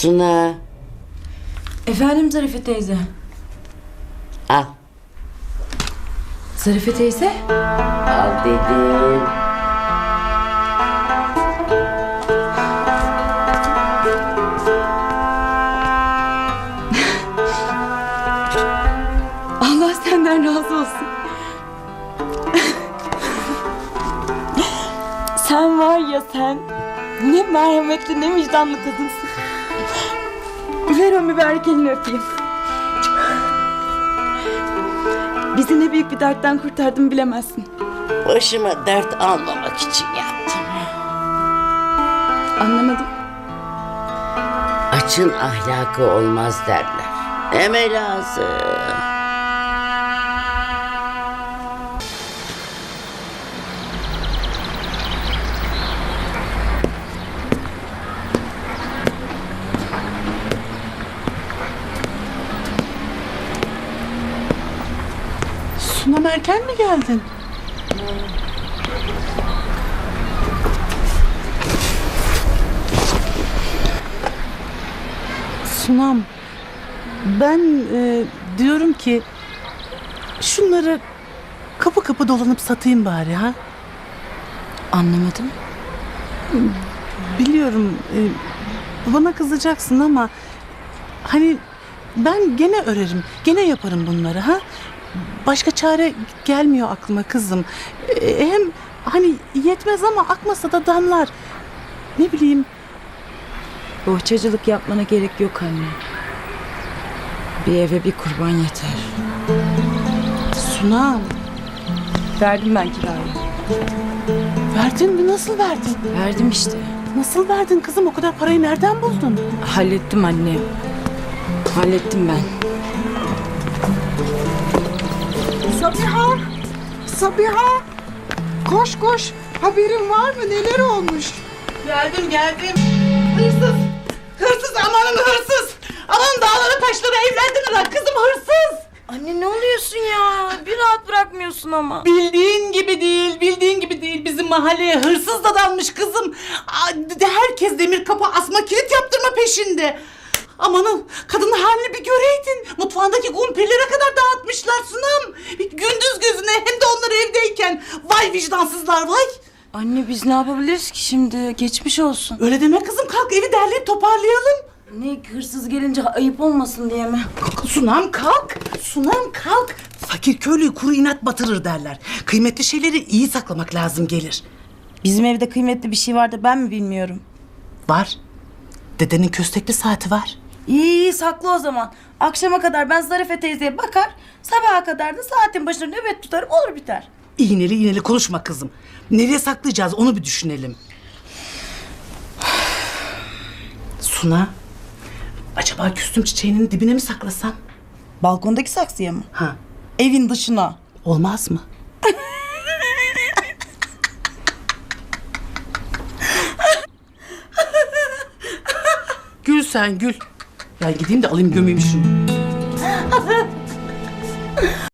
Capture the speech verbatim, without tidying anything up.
Suna. Efendim Zarife teyze. Al. Zarife teyze? Al dedim. Allah senden razı olsun. Sen var ya sen, ne merhametli ne vicdanlı kadınsın. Ver o mübarek elini öpeyim. Bizi ne büyük bir dertten kurtardın bilemezsin. Başıma dert almamak için yaptım. Anlamadım. Açın ahlakı olmaz derler. Deme lazım. Sunam erken mi geldin? Sunam, ben e, diyorum ki şunları kapı kapı dolanıp satayım bari ha. Anlamadım. Biliyorum e, bana kızacaksın ama hani ben gene örerim, gene yaparım bunları ha. Başka çare gelmiyor aklıma kızım. E, hem hani yetmez ama akmasa da damlar. Ne bileyim. Bohçacılık yapmana gerek yok anne. Bir eve bir kurban yeter. Sunam, Verdim ben kirayı. verdin mi? Nasıl verdin? Verdim işte. Nasıl verdin kızım? O kadar parayı nereden buldun? Hallettim anne. Hallettim ben. Sabiha! Sabiha! Koş koş! Haberin var mı? Neler olmuş? Geldim geldim. Hırsız. Hırsız amanın hırsız. Aman dağları taşları evlendiler kızım hırsız. Anne ne oluyorsun ya? Bir rahat bırakmıyorsun ama. Bildiğin gibi değil, bildiğin gibi değil. Bizim mahalleye hırsız da dalmış kızım. Aa, de- Herkes demir kapı asma kilit yaptırma peşinde. Amanın kadının halini bir göreydin. Mutfağındaki kumpirlere kadar dağıtmışlar Sunam. Gündüz gözüne hem de onlar evdeyken. Vay vicdansızlar vay. Anne biz ne yapabiliriz ki şimdi? Geçmiş olsun. Öyle deme kızım, kalk evi derleyip toparlayalım. Ne hırsız gelince ayıp olmasın diye mi? Sunam kalk, Sunam kalk. Fakir köylüyü kuru inat batırır derler. Kıymetli şeyleri iyi saklamak lazım gelir. Bizim evde kıymetli bir şey var da ben mi bilmiyorum? Var. Dedenin köstekli saati var. İyi iyi saklı o zaman. Akşama kadar ben Zarife teyzeye bakar, sabaha kadar da saatin başında nöbet tutarım, olur biter. İğneli iğneli konuşma kızım. Nereye saklayacağız onu bir düşünelim. Suna, acaba küstüm çiçeğinin dibine mi saklasam? Balkondaki saksıya mı? Ha, Evin dışına. olmaz mı? Gül sen gül. Ben gideyim de alayım gömeyim şunu.